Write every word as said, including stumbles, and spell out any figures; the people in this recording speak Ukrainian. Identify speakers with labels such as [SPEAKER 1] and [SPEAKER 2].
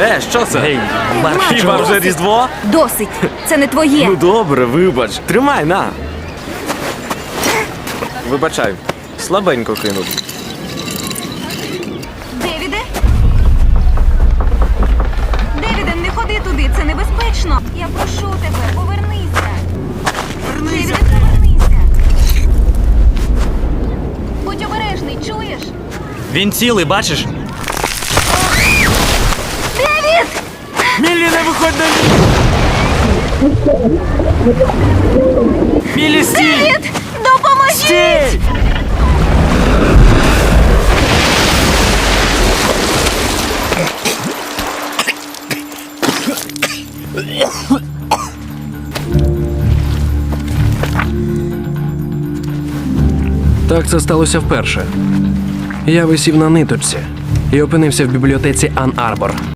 [SPEAKER 1] Е, що це?
[SPEAKER 2] Гей,
[SPEAKER 1] Хіба вже Різдво?
[SPEAKER 3] Досить. Це не твоє.
[SPEAKER 1] Ну добре, вибач. Тримай, на. Вибачай, слабенько кинув.
[SPEAKER 3] Девіде? Девіде, не ходи туди, це небезпечно. Я прошу тебе, повернися. Девіде, повернися. Будь обережний, чуєш?
[SPEAKER 2] Він цілий, бачиш?
[SPEAKER 3] Девід!
[SPEAKER 2] Міллі, не виходь на Міллі, стій!
[SPEAKER 3] Девід! Допоможіть!
[SPEAKER 2] Стій!
[SPEAKER 4] Так це сталося вперше. Я висів на ниточці і опинився в бібліотеці Ан Арбор.